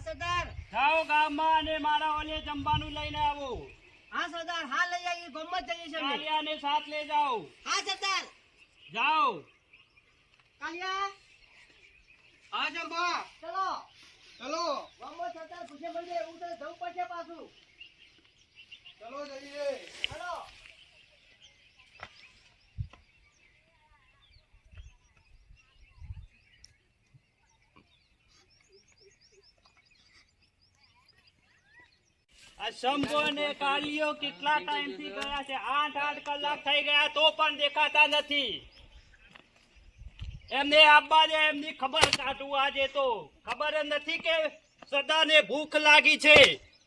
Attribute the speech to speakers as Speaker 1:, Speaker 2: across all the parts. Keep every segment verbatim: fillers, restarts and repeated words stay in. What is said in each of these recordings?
Speaker 1: સરદાર.
Speaker 2: જાઓ ગામમાં અને મારા ઓલે જમવાનું લઈને આવો.
Speaker 1: હા સરદાર, હા લઈ આવીએ. ગમત જઈએ છે અમે.
Speaker 2: કાલિયાને સાથ લઈ જાઓ.
Speaker 1: હા સરદાર.
Speaker 2: જાઓ.
Speaker 1: કાલિયા.
Speaker 3: હા જંબા,
Speaker 1: ચલો.
Speaker 3: ચલો
Speaker 1: ગમત સરદાર પૂછે મળીએ. એવું તો જવું પડશે પાછું.
Speaker 3: ચલો જઈએ.
Speaker 1: ચલો.
Speaker 2: આ શંભુ અને કાલિયો કેટલા ટાઈમ થી ગયા છે? આઠ આઠ કલાક થઈ ગયા તો પણ દેખાતા નથી. એમને આબા દે, એમની ખબર કાઢું. આજે તો ખબર જ નથી કે સદાને ભૂખ લાગી છે.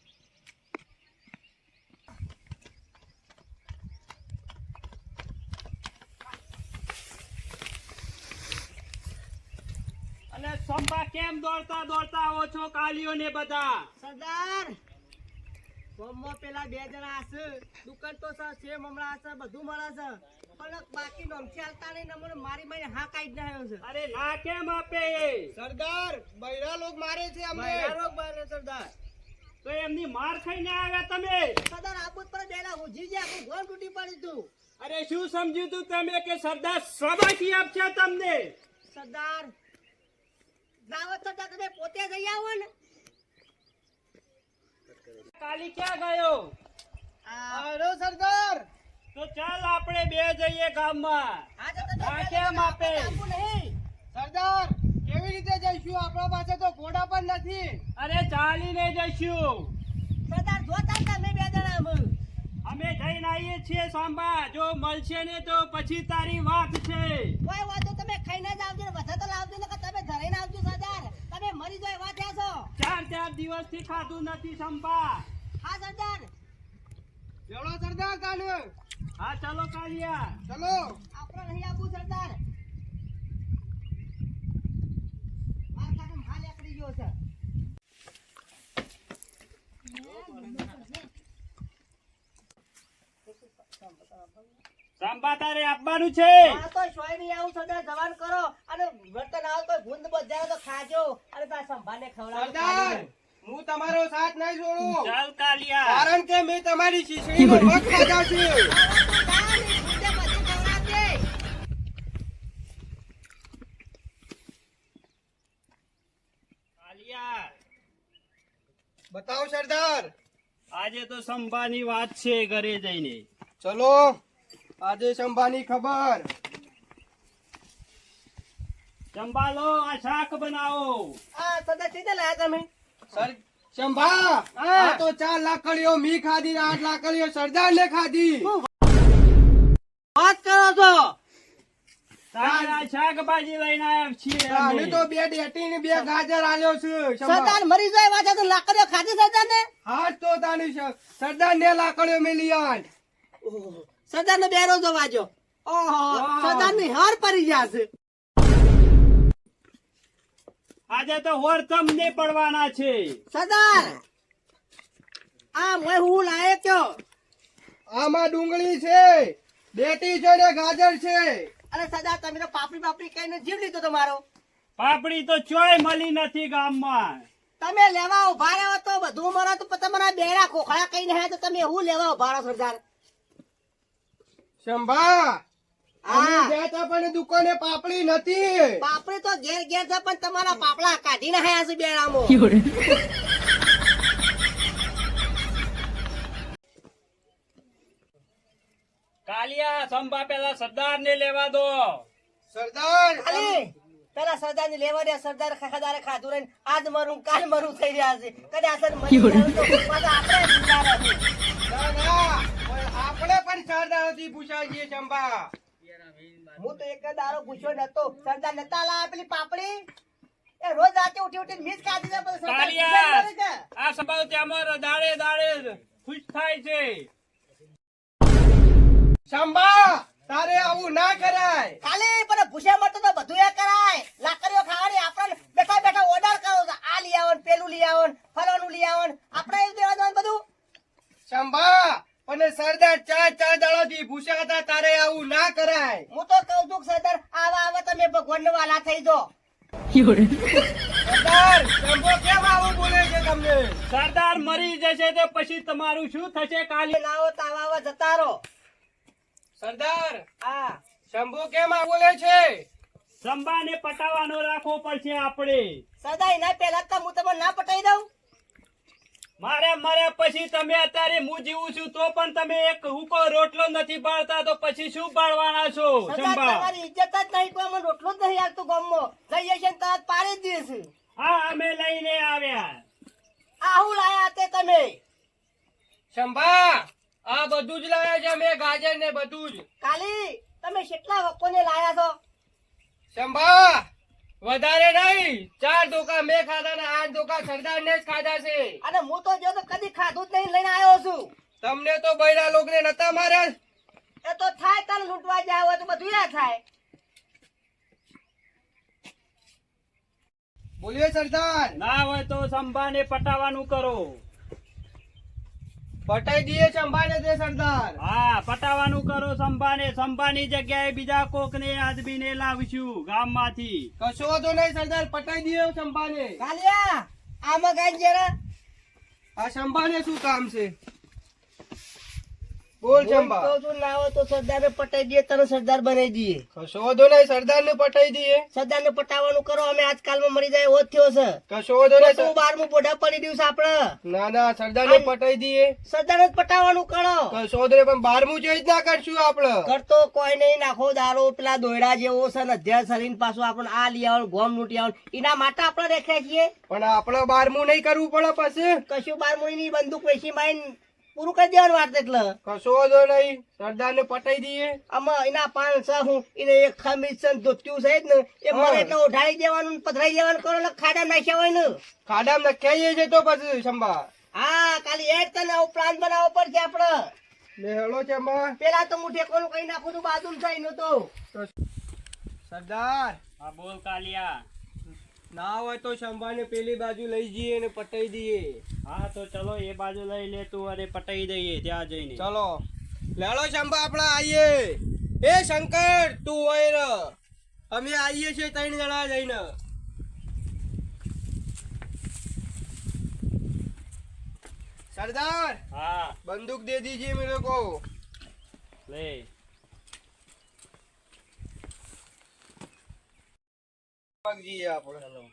Speaker 2: અને સંભા કેમ દોડતા દોડતા આવો છો કાલિયો ને બધા?
Speaker 1: સરદાર, ગમમાં પેલા બે જણા હશે. દુકાન તો છે, સેમ હમણાં હશે, બધું મળે છે. પણ બાકી નોમથી હાલતા નહીં. નંબર મારી મારી હા કાઢી નાખ્યો છે.
Speaker 2: અરે ના કેમ આપે?
Speaker 3: સરદાર, બૈરા લોક મારે છે અમને.
Speaker 1: બૈરાનો બારે સરદાર.
Speaker 2: તો એમની માર ખાઈને આવ્યા તમે?
Speaker 1: સરદાર આબુત પર બેલા ઉજી ગયા. આખું ઘર તૂટી પડી તું.
Speaker 2: અરે શું સમજ્યું તું તમે કે સરદાર સબાકી આપશે તમને?
Speaker 1: સરદાર, દાવત સરદાર તમે પોતે જઈ આવો ને.
Speaker 2: કાલી ક્યાં ગયો?
Speaker 3: અરે સરદાર,
Speaker 2: તો ચાલ આપણે બે જઈએ ગામમાં.
Speaker 1: હા તો તમે
Speaker 2: હા,
Speaker 1: બે
Speaker 2: કેમ
Speaker 1: જણા
Speaker 2: આપે?
Speaker 1: આપું નહીં.
Speaker 3: સરદાર કેવી રીતે જઈશું? આપણા પાસે તો ઘોડા પણ નથી.
Speaker 2: અરે ચાલીને જઈશું.
Speaker 1: સરદાર જોતા તમે બે જણા અમે.
Speaker 2: અમે જઈને આવીએ છીએ સાંભા. જો મળશે ને તો પછી તારી વાત છે.
Speaker 1: કોઈ વાતો તમે ખાઈને જ આવજો ને બધા તો લાવજો ને કે તમે ધરીને આવજો સરદાર. તમે મરી જાય વાત થયા છો.
Speaker 2: ચાર ચાર દિવસ થી ખાધું નથી સંભા.
Speaker 1: હા સરદાર.
Speaker 3: ચલો સરદાર તાને.
Speaker 2: હા ચલો કાલિયા.
Speaker 3: ચલો.
Speaker 1: આપણે નહીં આપવું સરદાર. માર કાકા હાલ એકડી ગયો છે.
Speaker 2: સંભા તારે આપવાનું છે?
Speaker 1: આ તો સોય નહીં આવું સરદાર. જવાન કરો અને વર્તન આવો તો ગુંદ બજારો તો ખાજો અને તાર સંભાને ખવડાવો.
Speaker 3: સરદાર, હું તમારો સાથ નહીં છોડું.
Speaker 2: ચાલ કાલિયા.
Speaker 3: કારણ કે મેં તમારી શીશડીનો મગ ખાધા છે.
Speaker 2: કાલિયા,
Speaker 3: બતાવો સરદાર.
Speaker 2: આજે તો સંભાની વાત છે ઘરે જઈને.
Speaker 3: ચલો, આજે સંભાની ખબર.
Speaker 2: સંભાલો, આ શાક બનાવો.
Speaker 1: આ સરદાર સીધા લાયા તમે.
Speaker 3: સર શંભા, આ તો ચાર લાકડીઓ મી ખાધી, આઠ લાકડીઓ સરદાર ને ખાધી.
Speaker 1: વાત કરો છો?
Speaker 2: તારે આ શાકભાજી લઈને આવ્યા છીએ અમે.
Speaker 3: અમે તો બે ડેટી ને બે ગાજર આલ્યો છે. શંભા.
Speaker 1: સરદાર મરી જાય વાત તો લાકડીઓ ખાધી સરદાર ને.
Speaker 3: હાથ તો તાની સ- સરદાર ને લાકડીઓ મેલી આઠ.
Speaker 1: સરદાર ને બેરો જો વાજો. ઓહો, સરદાર ની હાર પડી જશે.
Speaker 2: આજે તો હોર તમને પડવાના છે.
Speaker 1: સરદાર, આ મેં હું લાયે કયો.
Speaker 3: આમાં ડુંગળી છે, ડેટી છે ને ગાજર છે.
Speaker 1: અરે સરદાર તમે તો પાપડી પાપડી કહીને જીવ લીધો તમારો.
Speaker 2: પાપડી તો ચોય મળી નથી ગામમાં.
Speaker 1: તમે લેવા ઉભા રહ્યો તો બધું મરો તો તમારા બેડા ખોખડા કહીને હે તો તમે હું લેવા ઉભા રહો સરદાર.
Speaker 3: શંભા, અમે
Speaker 1: હા.
Speaker 3: ગયા તા પણ દુકાને પાપડી નથી.
Speaker 1: પાપડી તો ઘેર ઘેર છે પણ તમારા પાપડા કાઢીને હયા છે બેડામાં.
Speaker 2: કાલિયા, સંભા પેલા સરદાર ને લેવા દો.
Speaker 3: સરદાર,
Speaker 1: ખાલી પેલા સરદાર ને લેવા દે. સરદાર ખાખા ખાધું રહીને આજ મરું કાલ મરું થઈ રહ્યા છે. કદાચ અસર મરી જાય તો પાછા આપણે જુદા રહીએ.
Speaker 3: ના, ના, પણ આપણે પણ સરદારથી પૂછાઈએ શંભા.
Speaker 1: હું તો એક જ દારો પૂછ્યો નતો. સરદાર નતા લાયા પેલી પાપડી. એ રોજ રાતે ઉઠી ઉઠીને મીસ ખાધી છે પણ સરદાર
Speaker 2: કાલિયા,
Speaker 1: પૂછ્યા જ નથી.
Speaker 2: આ સંભાવ ત્યાં દાડે દાડે ખુશ થાય છે.
Speaker 3: શંભા, તારે આવું ના કરાય.
Speaker 1: ખાલી પણ ભૂસ્યા મળતો તો બધું એ કરાય. લાકડીઓ ખાવાની આપણે બેઠા બેઠા ઓર્ડર કરો છો. આ લઈ આવો ને પેલું લઈ આવો ને ફલાણું લઈ આવો ને આપણે એવું દેવા જવાનું બધું.
Speaker 3: શંભા, પણ સરદાર ચાર ચાર દાડોથી ભૂસ્યા હતા. તારે આવું ના કરાય.
Speaker 1: હું તો કઉ છું કે સરદાર આવા આવા તમે ભગવાન વાલા થઈ જો.
Speaker 3: સરદાર શંભો કેમ આવું બોલે છે તમને?
Speaker 2: સરદાર મરી જશે તો પછી તમારું શું થશે કાલે?
Speaker 1: લાવો તાવા જતા રહો.
Speaker 3: સરદાર
Speaker 1: હા
Speaker 3: શંભુ કેમ આવું બોલે છે?
Speaker 2: સંભાને પટાવવાનો રાખવો પડશે આપણે.
Speaker 1: સદા એના પહેલા તો હું તમને ના પટાઈ દઉં.
Speaker 2: મારે મર્યા પછી તમે અત્યારે હું જીવું છું તો પણ તમે એક હુકો રોટલો નથી બાળતા તો પછી શું બાળવાના છો?
Speaker 1: સદા
Speaker 2: સંભા
Speaker 1: તમારી ઇજ્જત જ નહીં, કોઈ મને રોટલો જ નહીં આવતો ગામમાં. જઈએ છે ને તરત પાડી જ દઈશ.
Speaker 2: હા અમે લઈને આવ્યા.
Speaker 1: આહું લાયા તે તમે.
Speaker 3: શંભા આ બધું જ લાવ્યા છે અમે, ગાજર ને બધું જ.
Speaker 1: કાલી તમે કેટલા વકોને લાયા છો?
Speaker 3: શંભા વધારે નહીં, ચાર ધોકા મેં ખાધા ને આઠ ધોકા સરદાર ને જ ખાધા છે.
Speaker 1: અને હું તો જો તો કદી ખાધું જ નહીં, લઈને આવ્યો છું.
Speaker 3: તમને તો બૈરા લોકોને નતા માર્યા?
Speaker 1: એ તો થાય તને લૂંટવા જાય હોય તો બધું ના થાય.
Speaker 3: બોલીએ સરદાર.
Speaker 2: ના હોય તો સંભાને પટાવવાનું કરો.
Speaker 3: પટાઈ દઈએ શંભાને તે સરદાર.
Speaker 2: હા પટાવવાનું કરો સંભાને. સંભાની જગ્યાએ બીજા કોકને આદમીને લાવશું ગામમાંથી.
Speaker 3: કશો વાંધો નહીં સરદાર, પટાઈ દઈએ શંભાને.
Speaker 1: કાલિયા આમાં ગાઈ જરા.
Speaker 3: આ શંભાને શું કામ છે? બોલ શંભા.
Speaker 1: તો શું ના હોય તો સરદારને પટાઈ દઈએ, તને સરદાર બનાવી દઈએ.
Speaker 3: કશો વાંધો નહીં, સરદાર ને પટાઈ દઈએ.
Speaker 1: સરદારને પટાવવાનું કરો, અમે આજકાલમાં મરી જાય એવો જ થયો છે.
Speaker 3: કશો વાંધો નહીં
Speaker 1: તો
Speaker 3: સર-
Speaker 1: બારમું પોઢા પડી ગયું છે આપડે.
Speaker 3: ના ના સરદાર ને પટાઈ દઈએ.
Speaker 1: સરદારને જ પટાવવાનું કરો.
Speaker 3: કશો વાંધો નહીં, પણ બારમું જ ના કરશું આપડે.
Speaker 1: કરતો કોઈ નહીં, નાખો દારૂ પેલા દોયડા જેવો છે ને અધ્યાય શરીર પાછું આપણે આ લઈ આવવાનું ગોમ લૂંટી આવવાનું, એના માટે આપણે રેખ્યા છીએ.
Speaker 3: પણ આપડે બારમું નહીં કરવું પડે પછી.
Speaker 1: કશું બારમું ની બંદૂક વેચી મારીને પૂરું કરી દેવાનું વાત. એટલે
Speaker 3: કશો વાંધો નહીં, સરદાર ને પટાઈ દઈએ.
Speaker 1: આમાં એના પાન છે હું એને એક ખમીસ છે ને ધોતિયું છે જ ને એ
Speaker 3: હા.
Speaker 1: મરે એટલે ઉઢાડી દેવાનું ને પધરાઈ દેવાનું કરો એટલે ખાડા નાખ્યા હોય ને.
Speaker 3: ખાડામાં નખાઈએ છે તો પછી શંભા.
Speaker 1: હા કાલી એ જ તને આવો પ્લાન બનાવવો પડશે આપડે.
Speaker 3: લે હેલો શંભા.
Speaker 1: પેલા તો હું ઠેકોનું કઈ નાખું છું બાજુ થઈને તો.
Speaker 3: સરદાર
Speaker 2: હા બોલ કાલિયા.
Speaker 3: ના હોય તો શંભા ને પેલી બાજુ લઈ જઈએ ને પટાઈ દઈએ.
Speaker 2: હા તો ચલો એ બાજુ લઈ લે તું અને પટાઈ દઈએ ત્યાં જઈને.
Speaker 3: ચલો લેલો શંભા આપડા આઈએ. એ શંકર તું હોય ર, અમે આઈએ છીએ ત્રણ જણા જઈને. સરદાર
Speaker 2: હા
Speaker 3: બંદૂક દે દીजिए मेरे को.
Speaker 2: લે.
Speaker 3: ભાગ જઈએ આપણે.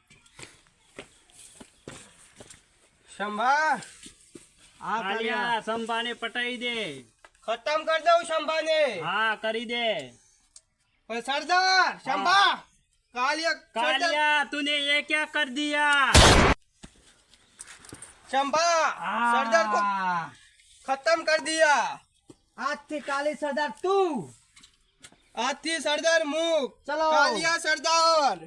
Speaker 3: શંભા આ
Speaker 2: કાલિયા સંભાને પટાઈ દે.
Speaker 3: ખતમ કરી દઉં શંભાને.
Speaker 2: હા કરી દે.
Speaker 3: પણ સરદાર શંભા કાલિયા સરદાર
Speaker 2: कालिया तूने ये क्या कर दिया?
Speaker 3: शंभा सरदार को खत्म कर दिया.
Speaker 1: આજથી કાલી સરદાર તું.
Speaker 3: आज थी सरदार मुख.
Speaker 1: चलो.
Speaker 3: कालिया सरदार.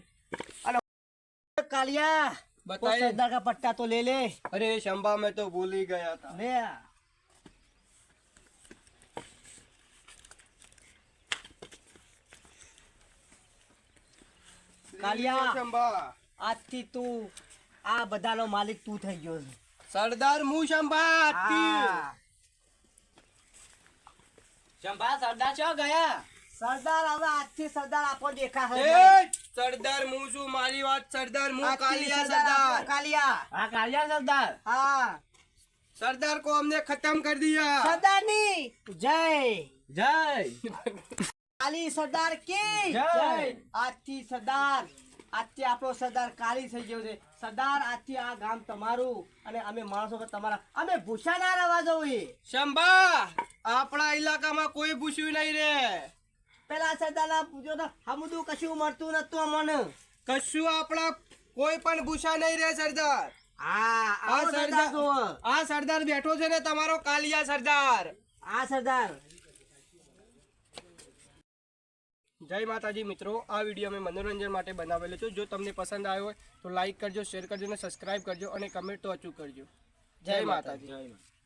Speaker 1: कालिया
Speaker 3: बताइए.
Speaker 1: वो सरदार का पट्टा तो ले ले.
Speaker 3: अरे शंभा मैं तो भूल ही गया था.
Speaker 1: ले કાલિયા.
Speaker 3: શંભા
Speaker 1: આજથી તું આ બધાનો માલિક તું થઈ ગયો છે.
Speaker 3: સરદાર હું શંભા આજથી.
Speaker 1: હા.
Speaker 2: चंपा सरदार चो गया.
Speaker 1: સરદાર હવે આજથી સરદાર આપો દેખા છે.
Speaker 3: એ સરદાર હું છું, મારી વાત સરદાર હું.
Speaker 1: આજથી
Speaker 3: કાલિયા
Speaker 1: સરદાર આપો,
Speaker 3: सरदार.
Speaker 1: કાલિયા.
Speaker 2: हाँ कालिया सरदार.
Speaker 1: હા
Speaker 3: सरदार को हमने खत्म कर दिया.
Speaker 1: સરદારની જય.
Speaker 2: जय.
Speaker 1: કાલી સરદાર કી
Speaker 2: જય.
Speaker 1: આજથી સરદાર આજથી આપણો સરદાર કાલી થઈ ગયો છે. સરદાર આજથી આ ગામ તમારું અને અમે માણસો કે તમારા, અમે ભૂસા ના રહેવા જોઈએ.
Speaker 3: શંભા આપણા ઇલાકામાં કોઈ પૂછ્યું નહીં રે.
Speaker 1: પેલા સરદાર ના પૂછો તો હમદું કશું મળતું નતું અમને.
Speaker 3: કશું આપણા કોઈ પણ ભૂષા નહીં રે સરદાર.
Speaker 1: હા
Speaker 3: આ
Speaker 1: આ સરદાર
Speaker 3: સરદાર
Speaker 1: જુઓ.
Speaker 3: આ સરદાર બેઠો છે ને તમારો કાલિયા સરદાર.
Speaker 1: આ સરદાર.
Speaker 3: જય માતાજી મિત્રો, આ વિડીયો અમે મનોરંજન માટે બનાવેલો છે. જો તમને પસંદ આવ્યો હોય તો લાઈક કરજો, શેર કરજો અને સબસ્ક્રાઇબ કરજો અને કમેન્ટ તો અચૂક કરજો. જય માતાજી.
Speaker 2: जय.